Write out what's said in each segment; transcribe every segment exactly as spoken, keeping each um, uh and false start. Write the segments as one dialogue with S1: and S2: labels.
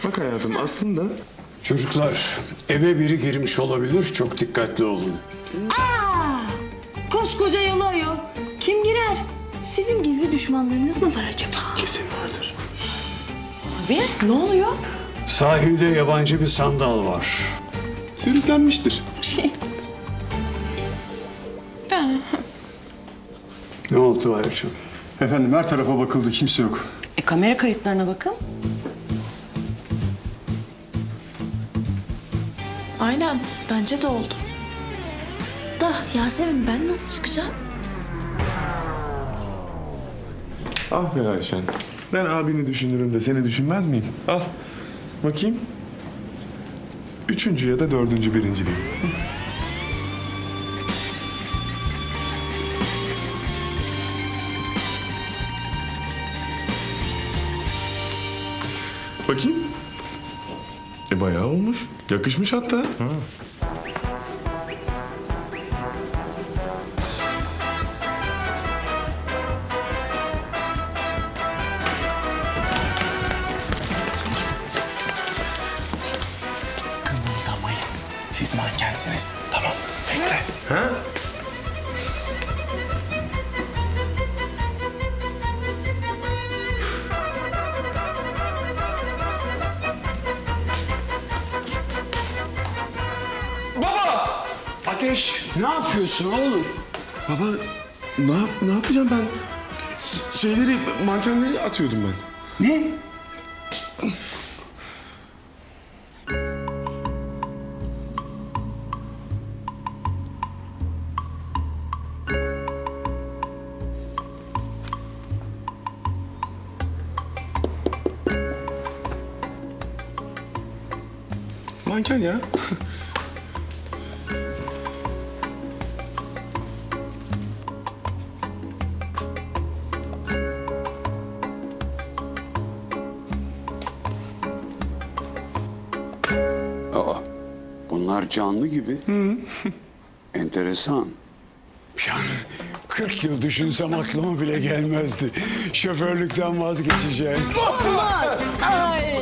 S1: Bak hayatım aslında...
S2: Çocuklar, eve biri girmiş olabilir. Çok dikkatli olun.
S3: Aa! Koskoca yalı ayol. Kim girer? Sizin gizli düşmanlarınız mı var acaba?
S1: Kesin vardır.
S3: Abi ne oluyor?
S2: Sahilde yabancı bir sandal var.
S1: Sürüklenmiştir.
S3: Şey.
S2: Ne oldu Ayşe?
S1: Efendim her tarafa bakıldı, kimse yok.
S3: E kamera kayıtlarına bakın.
S4: Aynen, bence de oldu. Da Yasemin ben nasıl çıkacağım?
S1: Ah be Ayşen. Ben abini düşünürüm de seni düşünmez miyim? Al. Bakayım. Üçüncü ya da dördüncü birinciliğim. Bakayım. E bayağı olmuş. Yakışmış hatta. Ha.
S5: Kımıldamayın. Siz mankensiniz. Tamam, bekle.
S1: Ha?
S2: Ateş, ne yapıyorsun oğlum?
S1: Baba ne, yap, ne yapacağım ben? Ş- Şeyleri, mankenleri atıyordum ben.
S2: Ne?
S1: Manken ya.
S2: Aa, bunlar canlı gibi. Enteresan. Yani kırk yıl düşünsem aklıma bile gelmezdi. Şoförlükten vazgeçeceğim.
S3: Ay.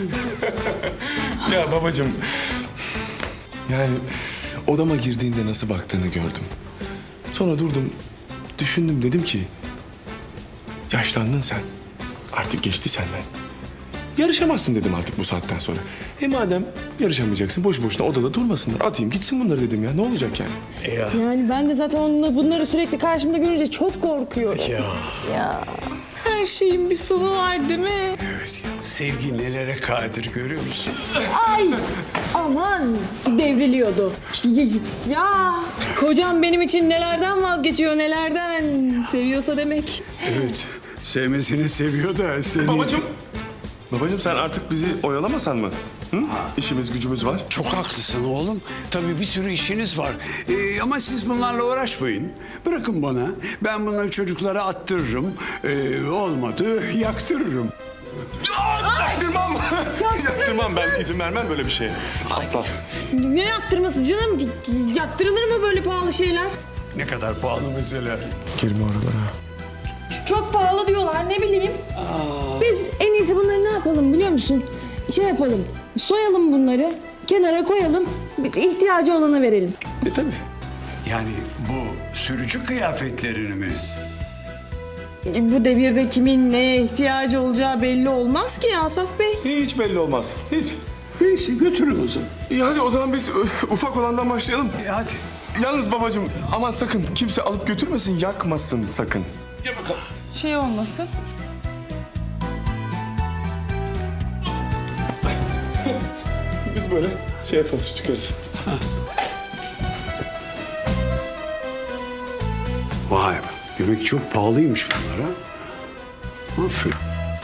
S1: Ya babacığım. Yani odama girdiğinde nasıl baktığını gördüm. Sonra durdum, düşündüm, dedim ki... Yaşlandın sen. Artık geçti senden. Yarışamazsın dedim artık bu saatten sonra. E madem yarışamayacaksın, boş boşuna odada durmasınlar. Atayım gitsin bunları dedim ya. Ne olacak yani?
S3: Yani ben de zaten onunla bunları sürekli karşımda görünce çok korkuyorum.
S2: Ya
S3: Ya her şeyin bir sonu var değil mi?
S2: evet ya. Sevgi nelere kadir görüyor musun?
S3: Ay aman devriliyordu. Ya kocam benim için nelerden vazgeçiyor nelerden. Seviyorsa demek.
S2: Evet. Sevmesini seviyor da seni...
S1: Babacığım. Babacığım sen artık bizi oyalamasan mı? Hı? İşimiz gücümüz var.
S2: Çok haklısın oğlum. Tabii bir sürü işiniz var. Ee, ama siz bunlarla uğraşmayın. Bırakın bana. Ben bunları çocuklara attırırım. Ee, olmadı yaktırırım.
S1: Yaktırmam. Yaktırmam ben. İzin vermem böyle bir şeye. Asla.
S3: Ne yaptırması canım? Yaptırılır mı böyle pahalı şeyler?
S2: Ne kadar pahalı mesela.
S1: Girme oralara.
S3: Çok pahalı diyorlar ne bileyim. Biz en iyisi bunları ne yapalım biliyor musun? Şey yapalım, soyalım bunları, kenara koyalım, ihtiyacı olana verelim.
S1: E tabii.
S2: Yani bu sürücü kıyafetlerini mi?
S3: Bu devirde kimin neye ihtiyacı olacağı belli olmaz ki Asaf Bey.
S1: Hiç belli olmaz. Hiç.
S2: Neyse götürün o zaman.
S1: İyi hadi o zaman biz ö, ufak olandan başlayalım.
S2: E, hadi.
S1: Yalnız babacığım aman sakın kimse alıp götürmesin, yakmasın sakın.
S3: Şey olmasın.
S1: Biz böyle şey yaparız, çıkarız.
S2: Vay be. Demek çok pahalıymış bunlar ha. Aferin.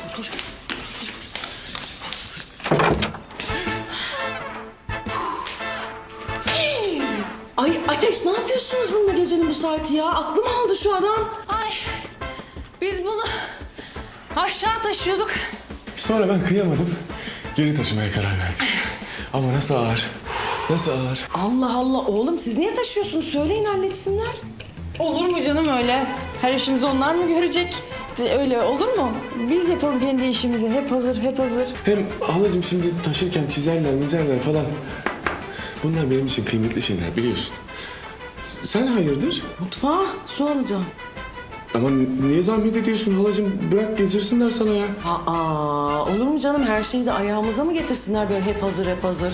S6: Ay Ateş ne yapıyorsunuz bununla gecenin bu saati ya? Aklım aldı şu adam.
S3: Ay biz bunu aşağı taşıyorduk.
S1: Sonra ben kıyamadım. Geri taşımaya karar verdik. Ama nasıl ağır. Nasıl ağır.
S6: Allah Allah oğlum siz niye taşıyorsunuz? Söyleyin halletsinler.
S3: Olur mu canım öyle? Her işimizi onlar mı görecek? öyle olur mu? Biz yapalım kendi işimizi. Hep hazır, hep hazır.
S1: Hem halacığım şimdi taşırken çizerler, mizerler falan. Bunlar benim için kıymetli şeyler biliyorsun. Sen hayırdır?
S6: Mutfağa su alacağım.
S1: Ama niye zahmet ediyorsun halacığım? Bırak getirsinler sana ya.
S6: Aa, olur mu canım? Her şeyi de ayağımıza mı getirsinler böyle hep hazır, hep hazır?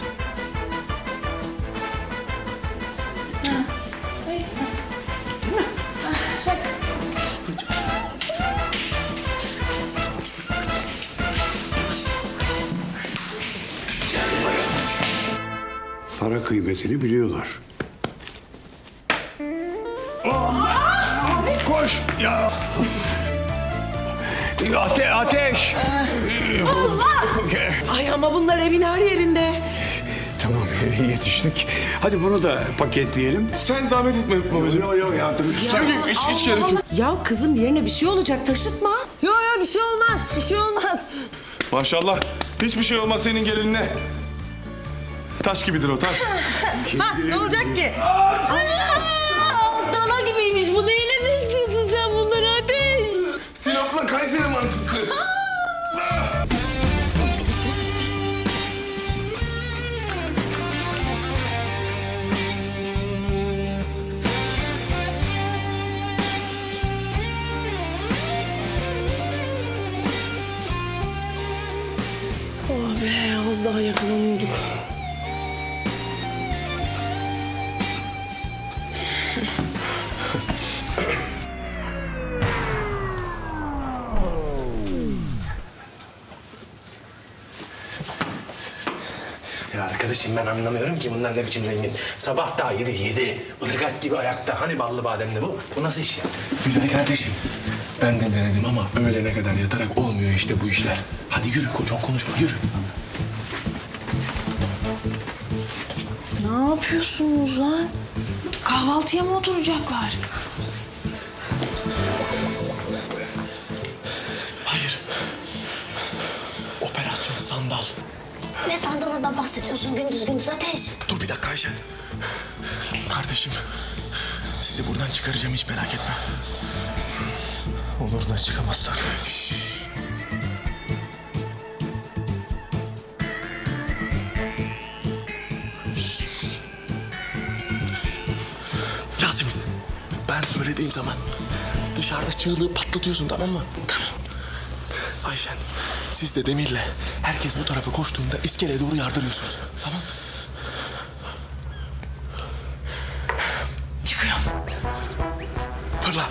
S2: Para kıymetini biliyorlar. Koş! Ya! Ate ateş!
S6: Ay ama bunlar evin her yerinde.
S2: Tamam yetiştik. Hadi bunu da paketleyelim.
S1: Sen zahmet etme babacığım.
S2: Yok yok yardım
S1: Yok, hiç, hiç gerek yok.
S6: Ya kızım yerine bir şey olacak taşıtma.
S3: Yok yok bir şey olmaz, bir şey olmaz.
S1: Maşallah. Hiçbir şey olmaz senin gelinine. Taş gibidir o taş.
S3: Ha, ne olacak ki? Ana! Dana gibiymiş. Bu neyle besliyorsun sen bunları Ateş?
S1: Sinop'la Kayseri mantısı.
S3: Oh be, az daha yakalanıyorduk.
S5: Ya arkadaşım ben anlamıyorum ki bunlar ne biçim zengin. Sabah daha yedi yedi. Irgat gibi ayakta. Hani ballı bademli bu? Bu nasıl iş ya?
S1: Güzel kardeşim. Ben de denedim ama öğlene kadar yatarak olmuyor işte bu işler.
S5: Hadi yürü çok konuşma yürü.
S3: Ne yapıyorsunuz lan? Kahvaltıya mı oturacaklar?
S5: Hayır. Operasyon sandal.
S4: Ne sandalından bahsediyorsun gündüz gündüz Ateş?
S5: Dur bir dakika Ayşen.
S1: Kardeşim, sizi buradan çıkaracağım hiç merak etme.
S5: Olur da çıkamazsak.
S1: Yasemin, ben söylediğim zaman dışarıda çığlığı patlatıyorsun tamam mı? Tamam. Ayşen, siz de Demir'le herkes bu tarafa koştuğunda iskeleye doğru yardırıyorsunuz. Tamam mı?
S3: Çıkıyorum.
S1: Fırla.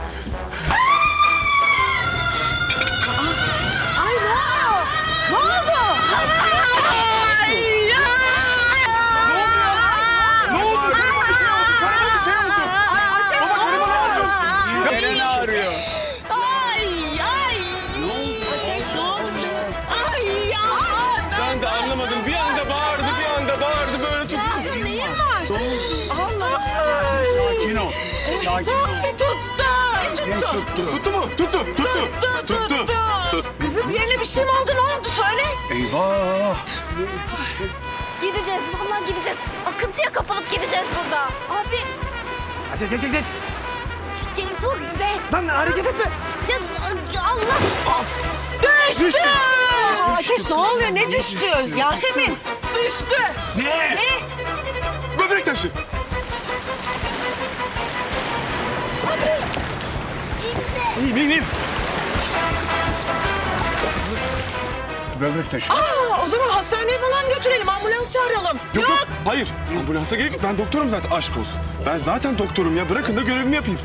S2: Eren ağrıyor.
S3: Ay ay. Ateş ne oldu? Ay ya.
S1: Ben de anlamadım. Bir anda bağırdı, bir anda bağırdı böyle tuttu.
S3: Neyin var? Allah.
S2: Sakin ol. Sakin ol.
S3: Tuttu.
S2: Ne
S3: Tuttu.
S2: tuttu?
S1: Tuttu mu? Tuttu, tuttu.
S3: Tuttu. Tuttu. Kızım yerine bir şey mi oldu? Ne oldu? Söyle.
S2: Eyvah.
S4: Gideceğiz vallahi gideceğiz. Akıntıya kapılıp gideceğiz burada. Abi
S5: Geç geç geç.
S4: gel dur be.
S5: Lan hareket etme.
S4: Ya, Allah.
S3: Düştü. Ateş ne oluyor? Ne düştü? Yasemin. Düştü.
S5: Ne?
S1: Böbrek taşı.
S5: İyiyim iyiyim.
S2: Böbrek taşı.
S6: Aa, o zaman hastaneye falan götürelim, ambulans çağıralım.
S1: Yok yok. Hayır. Ambulansa gerek yok. Ben doktorum zaten. Aşk olsun. Ben zaten doktorum ya. Bırakın da görevimi yapayım.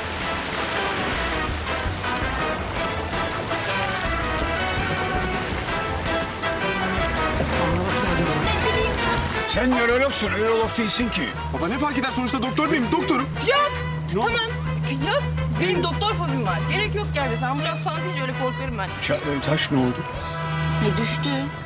S2: Sen nörologsun, ürolog değilsin ki.
S1: Baba ne fark eder? Sonuçta doktor muyum? Doktorum.
S3: Yok. Tamam. Yok. Benim doktor fobim var. Gerek yok yani. Ambulans falan deyince öyle korkarım ben.
S2: Ça- e, taş ne oldu?
S3: E düştü.